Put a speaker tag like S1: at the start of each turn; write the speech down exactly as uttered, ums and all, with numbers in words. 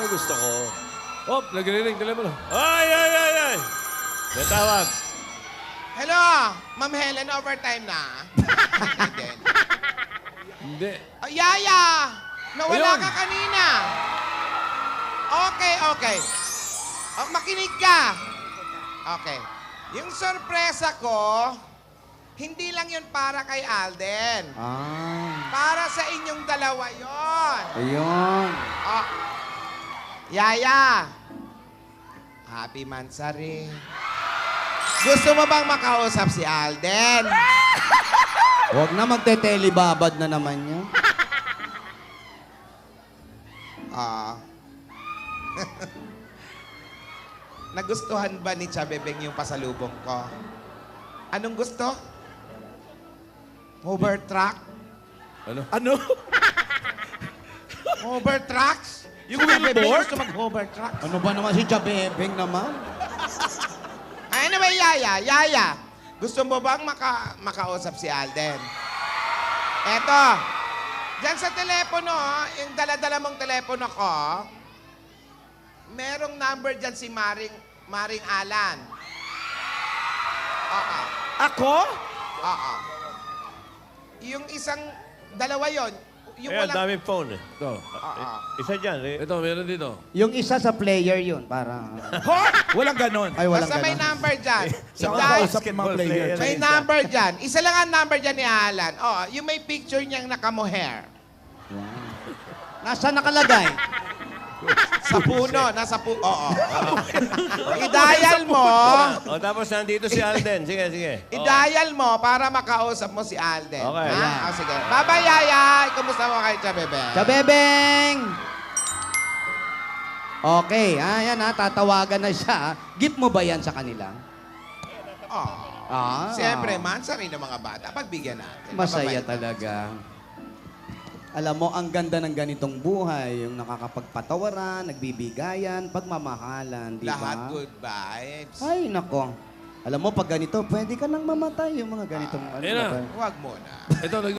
S1: mo gusto ko. Oh, nagre-ring. Telepono.
S2: Ay, ay, ay, ay! May tawag.
S3: Hello, Ma'am Helen, overtime na. Hindi din.
S1: Hindi.
S3: Oh, Yaya! Nawala
S1: Ayun.
S3: ka kanina. Okay, okay. Oh, makinig ka. Okay. Yung sorpresa ko, hindi lang yun para kay Alden.
S4: Ah,
S3: Para sa inyong dalawa yon.
S4: ayun.
S3: Oh. Yaya! Happy Mansari. Gusto mo bang makausap si Alden?
S4: Huwag na magte-telebabad na naman niya.
S3: Ah. Nagustuhan ba ni Chabebeng yung pasalubong ko? Anong gusto? Hover truck?
S1: Ano?
S2: Ano?
S3: Hover trucks?
S2: Yung
S3: Si Chabebeng
S2: wheelboard?
S3: gusto mag-hover truck.
S4: Ano ba naman si Chabebeng naman?
S3: Ay, ano ba, Yaya? Yaya, gusto mo bang maka makausap si Alden? Eto, dyan sa telepono, yung dala-dala mong telepono ko, merong number dyan si Maring, Maring Alan. Oo.
S2: Ako?
S3: Oo. Yung isang, dalawa yon yung
S2: Ayan,
S3: walang...
S2: daming phone eh.
S1: Ito.
S3: Oo.
S2: Isa dyan eh.
S1: Ito, meron dito.
S4: Yung isa sa player yun, para...
S5: Walang ganon.
S4: Ay, walang
S3: Basta may
S4: ganon.
S3: number dyan.
S2: Sa
S3: Yung
S2: mga
S3: dahil-
S5: kausap ng mga player.
S2: player.
S3: May number dyan. Isa lang ang number dyan ni Alan. Oh, yung may picture niyang nakamohair.
S4: Wow. Nasa nakalagay?
S3: Sa puno, nasa puno. Oo. I-dial mo.
S2: O, tapos nandito si Alden. Sige, sige.
S3: I-dial mo para makausap mo si Alden.
S2: Okay.
S3: Ha?
S4: Ayan.
S3: Ah, sige. Bye-bye, Yaya. Kumusta mo kay Chabebe?
S4: Chabebeng! Okay, ah, yan ha, tatawagan na siya. Gift mo ba yan sa kanila?
S3: Oh.
S4: Ah.
S3: Siyempre, mansari ng mga bata. Pagbigyan natin.
S4: Masaya
S3: Mababait.
S4: talaga. Alam mo, ang ganda ng ganitong buhay, yung nakakapagpatawaran, nagbibigayan, pagmamahalan, di ba?
S3: Lahat good vibes.
S4: Ay, nako. Alam mo, pag ganito, pwede ka nang mamatay yung mga ganitong... ano
S1: Ayan na.
S4: ba?
S3: Huwag muna.
S1: Ito, nag